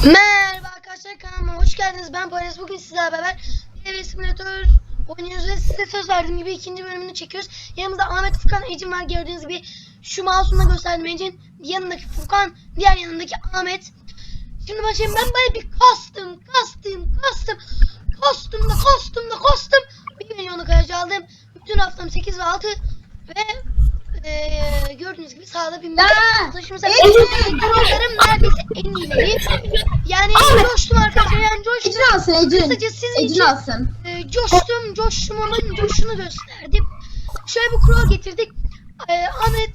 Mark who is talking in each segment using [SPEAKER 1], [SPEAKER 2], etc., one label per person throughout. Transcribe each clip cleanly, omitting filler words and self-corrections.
[SPEAKER 1] Merhaba arkadaşlar, kanalıma hoş geldiniz. Ben Poyraz. Bugün sizlerle beraber bir simülatör oynuyoruz ve size söz verdiğim gibi ikinci bölümünü çekiyoruz. Yanımızda Ahmet, Furkan, Ecin var. Gördüğünüz gibi şu mouse'umla gösterdim Ecin. Yanındaki Furkan, diğer yanındaki Ahmet. Şimdi başlayayım. Ben böyle bir kastım. Kostüm. 1 milyonu kayacı aldım. Bütün haftam 8 ve 6 ve gördüğünüz gibi sağda bir taşımıza neredeyse en iyileri. Yani coştum arkadaşlar, yani coştum.
[SPEAKER 2] Ecin alsın, Ecin.
[SPEAKER 1] Kısaca sizin
[SPEAKER 2] Ecin
[SPEAKER 1] için
[SPEAKER 2] alsın.
[SPEAKER 1] coştuğumun coşunu gösterdim. Şöyle bir kural getirdik. Ahmet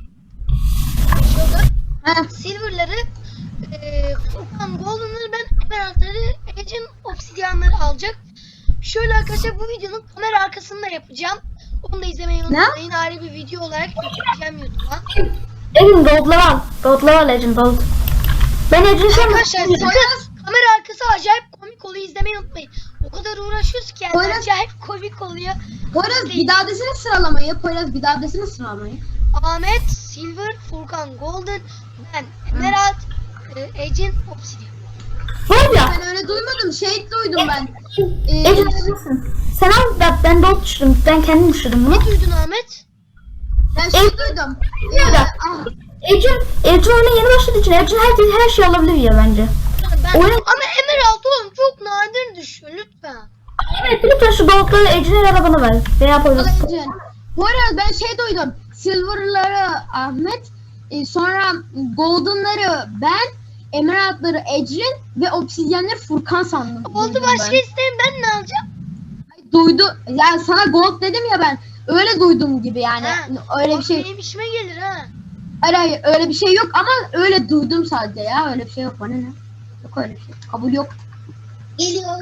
[SPEAKER 1] şurada silver'ları, Furkan golden'ları, ben emerald'ları, Ecin obsidyanları alacak. Şöyle arkadaşlar, bu videonun kamera arkasında yapacağım. Onu da izlemeyi unutmayın. Ayrı bir video olarak yükleyeceğim YouTube'a.
[SPEAKER 3] Ecin gold'ları al Ecin gold. Ben Ecin
[SPEAKER 1] Arkadaşlar kamera arkası acayip komik oluyor, izlemeyi unutmayın. O kadar uğraşıyoruz ki yani acayip komik oluyor.
[SPEAKER 2] Poyraz bir daha desene sıralamayı.
[SPEAKER 1] Ahmet silver, Furkan golden, ben emerald, Ecin obsidyan.
[SPEAKER 3] Var ya.
[SPEAKER 2] Ben öyle duymadım. Duydum ben.
[SPEAKER 3] Ecin alabilirsin. Sen al, ben gold düşürdüm. Ben kendim düşürdüm bunu.
[SPEAKER 1] Ne duydun Ahmet?
[SPEAKER 2] Ben duydum.
[SPEAKER 3] Ecin oyuna yeni başladığı için Ecin her şey alabilir ya bence.
[SPEAKER 1] Ama emerald oğlum çok nadir düşüyor lütfen.
[SPEAKER 3] Evet, lütfen şu gold'ları Ecin'e arabana ver. Veya Poyraz.
[SPEAKER 2] Poyraz ben duydum. Silver'ları Ahmet, sonra golden'ları ben, emerald'ları Ecin ve obsidyenleri Furkan sandım.
[SPEAKER 1] Oldu, başka isterim, ben ne alacağım?
[SPEAKER 2] Duydu. Yani sana gold dedim ya ben. Öyle duydum gibi yani. Öyle bir şey.
[SPEAKER 1] Benim işime gelir ha.
[SPEAKER 2] Hayır öyle bir şey yok ama öyle duydum sadece ya. Öyle bir şey yok. Bana ne? Yok öyle bir şey. Kabul yok. Geliyor.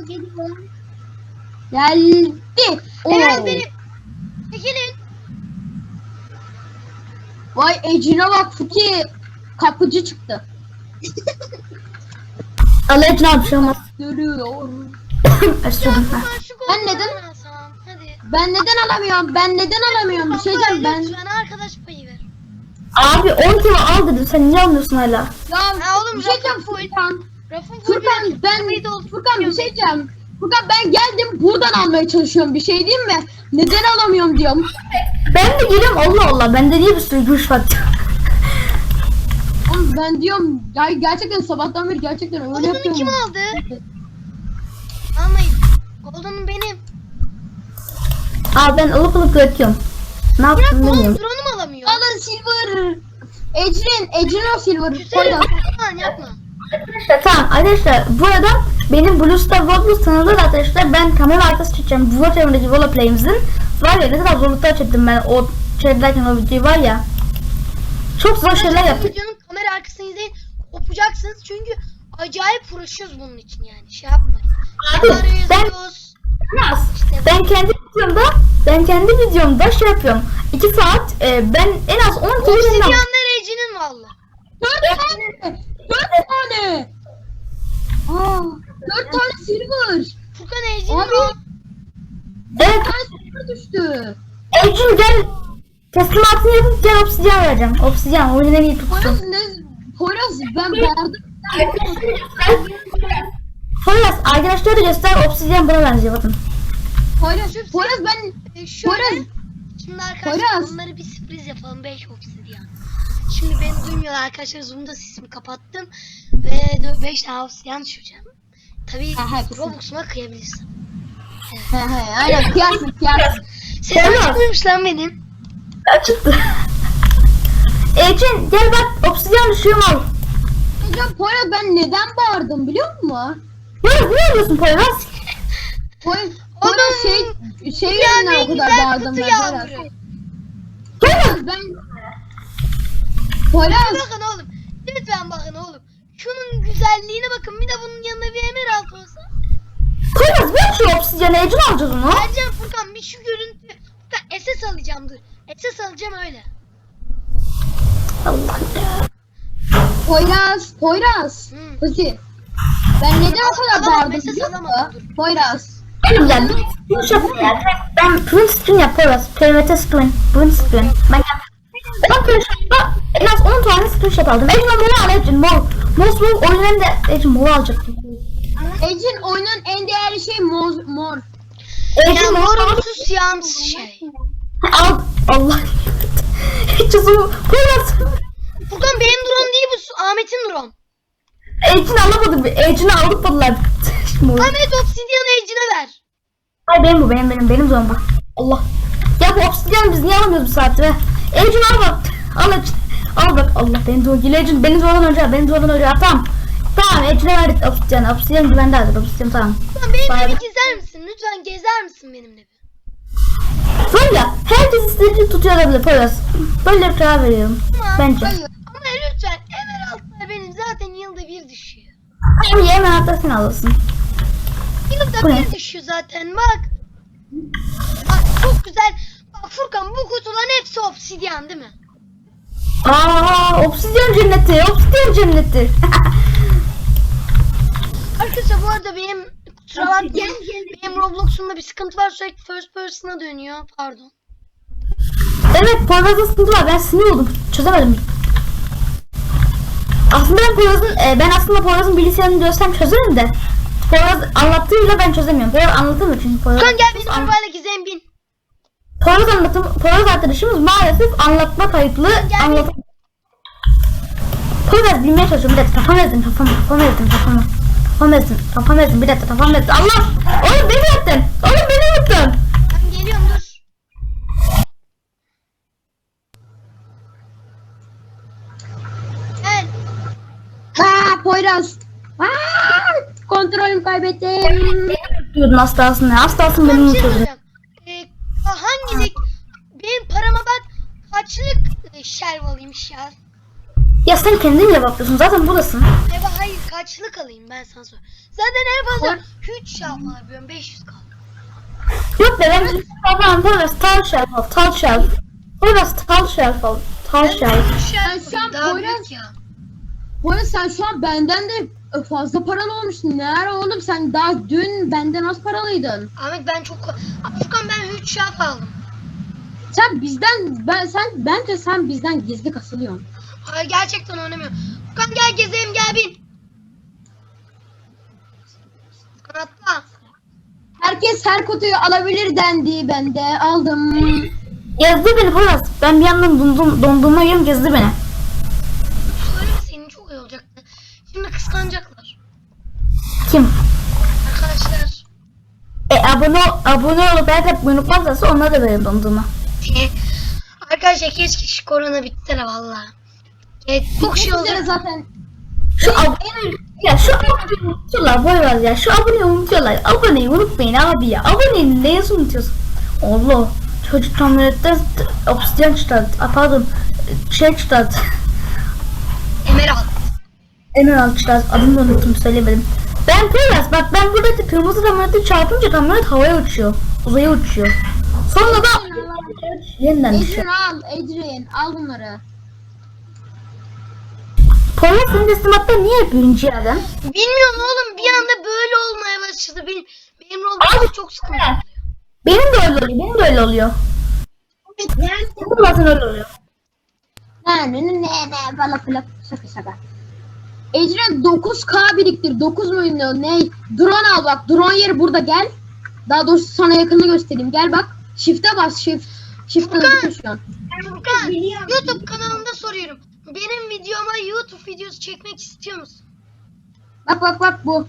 [SPEAKER 2] Geldi.
[SPEAKER 1] Evet benim. Çekilin.
[SPEAKER 2] Vay Ecine bak, Fuki kapıcı çıktı.
[SPEAKER 3] Al Ecin al, bir şey olmaz.
[SPEAKER 2] Görüyor.
[SPEAKER 1] Ben
[SPEAKER 2] neden-
[SPEAKER 1] Hadi.
[SPEAKER 2] Ben neden alamıyorum? Bir şey diyeceğim ben.
[SPEAKER 1] Lütfen arkadaş payı ver.
[SPEAKER 3] Abi 10 kilo al dedim, sen niye almıyorsun hala?
[SPEAKER 2] Ya
[SPEAKER 1] oğlum,
[SPEAKER 2] bir şey diyeceğim
[SPEAKER 1] rafın full.
[SPEAKER 2] Furkan.
[SPEAKER 1] Rafın
[SPEAKER 2] Furkan bir şey diyeceğim. Furkan ben geldim buradan almaya çalışıyorum, bir şey diyeyim mi? Neden alamıyorum diyorum.
[SPEAKER 3] Ben de geliyorum, Allah Allah, bende niye bir sürü güç var?
[SPEAKER 2] Oğlum ben diyorum ya, gerçekten sabahtan beri gerçekten öyle
[SPEAKER 1] Golden'ı
[SPEAKER 2] yapıyorum.
[SPEAKER 1] kim aldı? Almayın. Golden'ın benim.
[SPEAKER 3] Aa, ben alıp bırakıyorum. Ne
[SPEAKER 1] Bırak
[SPEAKER 3] yaptım
[SPEAKER 1] oğlum,
[SPEAKER 3] bilmiyorum.
[SPEAKER 1] drone'um alamıyor.
[SPEAKER 2] Alın silver. Ecrin o silver.
[SPEAKER 1] Güzel. Furkan yapma.
[SPEAKER 3] Arkadaşlar tamam arkadaşlar, bu arada benim Blue Star Roblox tanıdığı arkadaşlar, ben kamera arkası çekeceğim. Bu çevremdeki Volaplay'imizin var ya, ne kadar zorluklar çektim ben o çevrederken, o video var ya. Çok zor şeyler yaptık.
[SPEAKER 1] Videonun kamera arkasını izleyin. Kopacaksınız çünkü acayip uğraşıyoruz bunun için yani. Şey yapmayın.
[SPEAKER 3] Abi,
[SPEAKER 1] Yazıyoruz.
[SPEAKER 3] ben kendi videomda şey yapıyorum. 2 saat ben en az 10 kere
[SPEAKER 1] Obsidyanlar Ece'nin valla.
[SPEAKER 2] 4 tane. 4 tane silver.
[SPEAKER 1] Furkan Ece'nin
[SPEAKER 2] Abi.
[SPEAKER 1] o.
[SPEAKER 3] Evet,
[SPEAKER 2] 4 tane silver düştü.
[SPEAKER 3] Ecin gel, teslimatını yapıp gel, obsidyen vereceğim. Obsidyen oyunun en iyi tutsun.
[SPEAKER 2] Poyraz ben bağırdım.
[SPEAKER 3] Poyraz arkadaşlara da göster, obsidyen buna benziyor, bakın.
[SPEAKER 2] Poyraz ben
[SPEAKER 1] Şöyle.
[SPEAKER 2] Poyraz.
[SPEAKER 1] Şimdi arkadaşlar
[SPEAKER 2] Poyraz.
[SPEAKER 1] onları bir sürpriz yapalım. 5 obsidyan. Şimdi beni duymuyorlar arkadaşlar. Zoom'da sesimi kapattım. Ve 5 tane obsidyan düşüreceğim. Tabii Robux'uma kıyabilirsin.
[SPEAKER 2] Aynen kıyarsın.
[SPEAKER 1] Sesim çıkmıyormuş lan benim.
[SPEAKER 3] Çıktı. Ecin gel bak, obsidyen düşüyorum, al.
[SPEAKER 2] Hocam Poyraz ben neden bağırdım biliyor musun?
[SPEAKER 3] Ne yapıyorsun Poyraz?
[SPEAKER 2] Poyraz
[SPEAKER 1] Oğlum,
[SPEAKER 2] şey
[SPEAKER 1] yani
[SPEAKER 2] yüzünden o kadar
[SPEAKER 1] güzel
[SPEAKER 2] bağırdım
[SPEAKER 1] kutu
[SPEAKER 2] ben Poyraz.
[SPEAKER 1] yağmuru.
[SPEAKER 2] Poyraz ben Poyraz
[SPEAKER 1] Bakın oğlum. Lütfen bakın oğlum. Şunun güzelliğine bakın. Bir de bunun yanında bir emerald olsa.
[SPEAKER 3] Poyraz ver şu obsidyeni, Ecin alacağız onu.
[SPEAKER 1] Vereceğim Furkan, bir şu görüntü. Furkan SS alacağım, dur. SS alacağım öyle.
[SPEAKER 3] Allah ya.
[SPEAKER 2] Poyraz. Peki. Ben neden o kadar
[SPEAKER 1] Alamam,
[SPEAKER 2] bağırdım
[SPEAKER 1] mesaj
[SPEAKER 2] biliyor
[SPEAKER 1] alamadım,
[SPEAKER 2] musun? Poyraz.
[SPEAKER 3] Yani ben print screen yap Poyraz. PRT screen. Print screen. Ben arkadaşlar en az 10 tane screenshot aldım. Ecin onu al Ecin. Most Wolf oyunun da Ecin moru alacaktım.
[SPEAKER 2] Ecin oyunun en değerli şey mor.
[SPEAKER 3] Ecin
[SPEAKER 1] Yani
[SPEAKER 3] moru
[SPEAKER 1] morumsuz siyahımsız şey.
[SPEAKER 3] al. Allah. Ecin zoom. Poyraz.
[SPEAKER 1] Furkan benim drone değil bu, Ahmet'in drone.
[SPEAKER 3] Ecin alamadım. Ecin'i aldılar. Moru.
[SPEAKER 1] Ahmet obsidyanı Ejin'e ver.
[SPEAKER 3] Ay benim bu benim zomba. Allah. Ya bu obsidyen biz niye alamıyoruz bu saatte be? Ecin al bak. Al Ecin. Al bak Allah beni zor geliyor Ecin. Beni zordan önce tamam. Tamam Ecin'e verdik obsidyen. Obsidyen güvende aldık obsidyen tamam.
[SPEAKER 1] Furkan benimle
[SPEAKER 3] Bari-
[SPEAKER 1] bir gezer misin? Lütfen gezer misin benimle bir?
[SPEAKER 3] Böyle herkes istediğini tutuyor olabilir Poyraz. Böyle bir karar veriyorum.
[SPEAKER 1] Tamam.
[SPEAKER 3] Bence.
[SPEAKER 1] Ama lütfen emeraldlar benim zaten yılda bir düşüyor.
[SPEAKER 3] Hem yemen hatta sen alırsın.
[SPEAKER 1] Yılda
[SPEAKER 3] Bu ne?
[SPEAKER 1] bir düşüyor zaten bak. Bak çok güzel. Bak Furkan bu kutuların hepsi obsidyan değil mi?
[SPEAKER 3] Obsidyen cenneti.
[SPEAKER 1] Arkadaşlar bu arada benim kusura bakmayın. Benim Roblox'umda bir sıkıntı var, sürekli first person'a dönüyor. Pardon.
[SPEAKER 3] Evet Poyraz'ın sıkıntı var. Ben sinir oldum. Çözemedim. Aslında ben aslında Poyraz'ın bilgisayarını görsem çözerim de. Poyraz anlattığıyla ben çözemiyorum. Poyraz anlatamıyor çünkü Poyraz.
[SPEAKER 1] Furkan gel benim arabayla gezelim bin.
[SPEAKER 3] Poyraz arkadaşımız maalesef anlatma kayıtlı anlat. Poyraz bilmeye çalışıyorum. Bir dakika kafam ezdim. Bir dakika kafam ezdim. Allah! Oğlum beni yaktın.
[SPEAKER 1] Ben geliyorum dur. Gel.
[SPEAKER 2] Poyraz. Kontrolümü kaybettim.
[SPEAKER 3] Diyordun hastasın ya. Hastasın
[SPEAKER 1] Ben
[SPEAKER 3] beni
[SPEAKER 1] bir şey
[SPEAKER 3] unutuyordun.
[SPEAKER 1] soracağım. Hangi benim parama bak kaçlık shelf alayım shelf?
[SPEAKER 3] Ya sen kendin bile bakıyorsun. Zaten buradasın.
[SPEAKER 1] Hayır kaçlık alayım ben sana sor. Zaten en fazla 3 shelf alabiliyorum 500 kaldı.
[SPEAKER 3] Yok be ben Poyraz tall shelf al. Poyraz tall shelf al. Tall shelf.
[SPEAKER 1] Shelf
[SPEAKER 2] şu an
[SPEAKER 1] daha
[SPEAKER 2] Poyraz-
[SPEAKER 1] büyük ya.
[SPEAKER 2] Poyraz sen şu an benden de fazla paralı olmuşsun. Ne ara oğlum sen daha dün benden az paralıydın.
[SPEAKER 1] Ahmet ben çok... Furkan ben 3 shelf aldım.
[SPEAKER 2] Sen bence sen bizden gizli kasılıyorsun.
[SPEAKER 1] Hayır gerçekten oynamıyorum. Furkan gel gezelim gel bin. Furkan atla.
[SPEAKER 2] Herkes her kutuyu alabilir dendi. Ben de aldım.
[SPEAKER 3] Gezdi beni Poyraz. Ben bir yandan dondurma yiyorum gezdi beni.
[SPEAKER 1] Söyleme senin çok iyi olacaktı. Şimdi kıskanacaklar.
[SPEAKER 3] Kim?
[SPEAKER 1] Arkadaşlar.
[SPEAKER 3] Abone olup eğer unutmazlarsa onlara da verin dondurma.
[SPEAKER 1] Arkadaşlar keşke şu korona bitse de valla. Çok şey
[SPEAKER 2] Bizlere
[SPEAKER 1] olacak.
[SPEAKER 2] zaten
[SPEAKER 3] Şu aboneyi unutuyorlar Poyraz ya. Şu aboneyi unutuyorlar. Aboneyi unutmayın abi ya. Aboneyi neye unutuyorsun? Allah. Çocuk kamyonetten obsidyen çıkardı. Pardon. Çıkardı.
[SPEAKER 1] Emerald.
[SPEAKER 3] Emerald çıkardı. Adını da unuttum söylemedim. Ben Poyraz bak ben buradaki kırmızı kamyonete çarpınca kamyonet havaya uçuyor. Uzaya uçuyor. Sonra da yeniden düşüyor.
[SPEAKER 2] Adrian al bunları.
[SPEAKER 3] Poyraz senin teslimatta niye birinci yerden?
[SPEAKER 1] Bilmiyorum oğlum bir anda böyle olmaya başladı. Benim Roblox'um çok sıkıntı.
[SPEAKER 3] Benim de öyle oluyor. Benim zaten öyle oluyor.
[SPEAKER 2] Ne bala şaka. Adrian 9K biriktir. 9 muydu ne? Drone al bak. Drone yeri burada gel. Daha doğrusu sana yakını göstereyim. Gel bak. Shift'e bas shift. Shift'e
[SPEAKER 1] Furkan.
[SPEAKER 2] şu an.
[SPEAKER 1] Furkan YouTube kanalımda soruyorum. Benim videoma YouTube videosu çekmek istiyor musun?
[SPEAKER 2] Bak bu.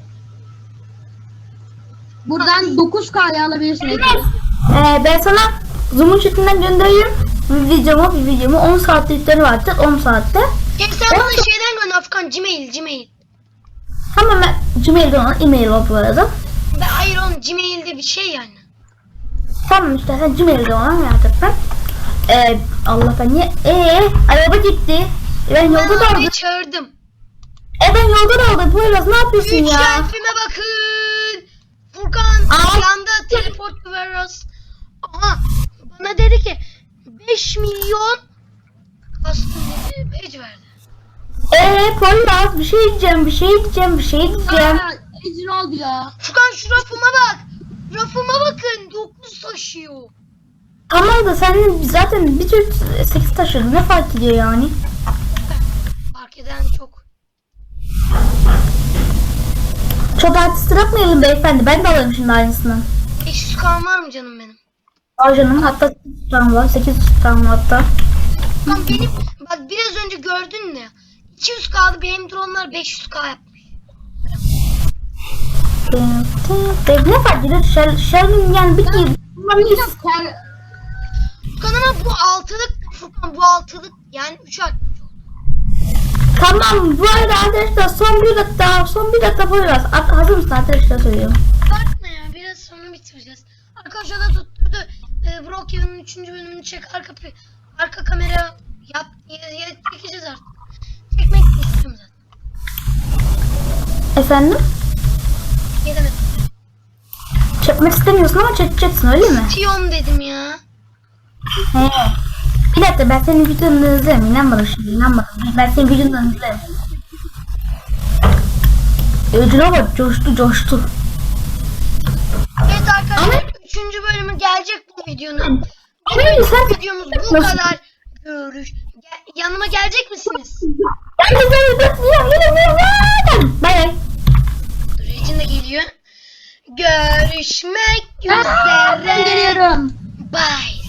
[SPEAKER 2] Buradan 9K'ya alabilirsin. Adrian.
[SPEAKER 3] Ben sana Zoom'un chatinden göndereyim. Bir videomu 10 saatlikleri vardır 10 saatte.
[SPEAKER 1] Sen bana şeyden gönder Furkan Gmail.
[SPEAKER 3] Tamam ben Gmail'den olan e-mail var bu arada.
[SPEAKER 1] Hayır oğlum Gmail'de bir şey yani.
[SPEAKER 3] Tamam işte sen Gmail'den olan yapacaksan. Allah ben niye? Araba gitti. Ben yolda da aldım.
[SPEAKER 1] Ben çağırdım.
[SPEAKER 3] Ben yolda da aldım. Poyraz ne yapıyorsun
[SPEAKER 1] 3
[SPEAKER 3] ya?
[SPEAKER 1] selfie'me bakın. Furkan yanda teleport veriyoruz. Aha bana dedi ki 5 milyon kastım dedi page verdi.
[SPEAKER 3] Poyraz bir şey diyeceğim.
[SPEAKER 2] Adrian oldu ya.
[SPEAKER 1] Furkan şu rafıma bak. Rafıma bakın 9 taşıyor.
[SPEAKER 3] Tamam da sen zaten bir tür 8 taşıdın. Ne fark ediyor yani?
[SPEAKER 1] Fark eden çok.
[SPEAKER 3] Çok artist bırakmayalım beyefendi. Ben de alayım şimdi aynısından.
[SPEAKER 1] 500 kan var mı canım benim?
[SPEAKER 3] Al canım, hatta 800 tane var. 800 tane var hatta.
[SPEAKER 1] Lan benim bak biraz önce gördün mü? 200 kaldı, benim dronlar 500k yapmış.
[SPEAKER 3] Ne fark ediyor? Şermin yani bir kez.
[SPEAKER 1] Furkan ama bu altılık, Furkan bu altılık yani 3 art.
[SPEAKER 3] Tamam, bu arada arkadaşlar son bir dakika koyacağız. Hazır mısın arkadaşlar, söylüyorum.
[SPEAKER 1] Bakma ya, biraz sonra bitireceğiz. Arkadaşlar da tutturdu. Brokeven'ın 3. bölümünü çek, arka kamera yap, çekeceğiz artık. Çekmek de istiyorum zaten.
[SPEAKER 3] Efendim?
[SPEAKER 1] Ne demek?
[SPEAKER 3] Çekmek istemiyorsun ama çekeceksin, öyle mi?
[SPEAKER 1] Tiyon dedim ya.
[SPEAKER 3] He. Bir dakika, ben senin videonu izlerim. İnanmadım şimdi, inanmadım. Ben senin videonu izlerim. Ödüne bak, coştu.
[SPEAKER 1] Evet arkadaşlar, 3. bölümü gelecek bu videonun.
[SPEAKER 3] Hayır, sen
[SPEAKER 1] Videomuz bu kadar. Yanıma gelecek misiniz?
[SPEAKER 3] Bay bay.
[SPEAKER 1] Dur, Ecin de geliyor. Görüşmek üzere.
[SPEAKER 2] Geliyorum.
[SPEAKER 1] Bye.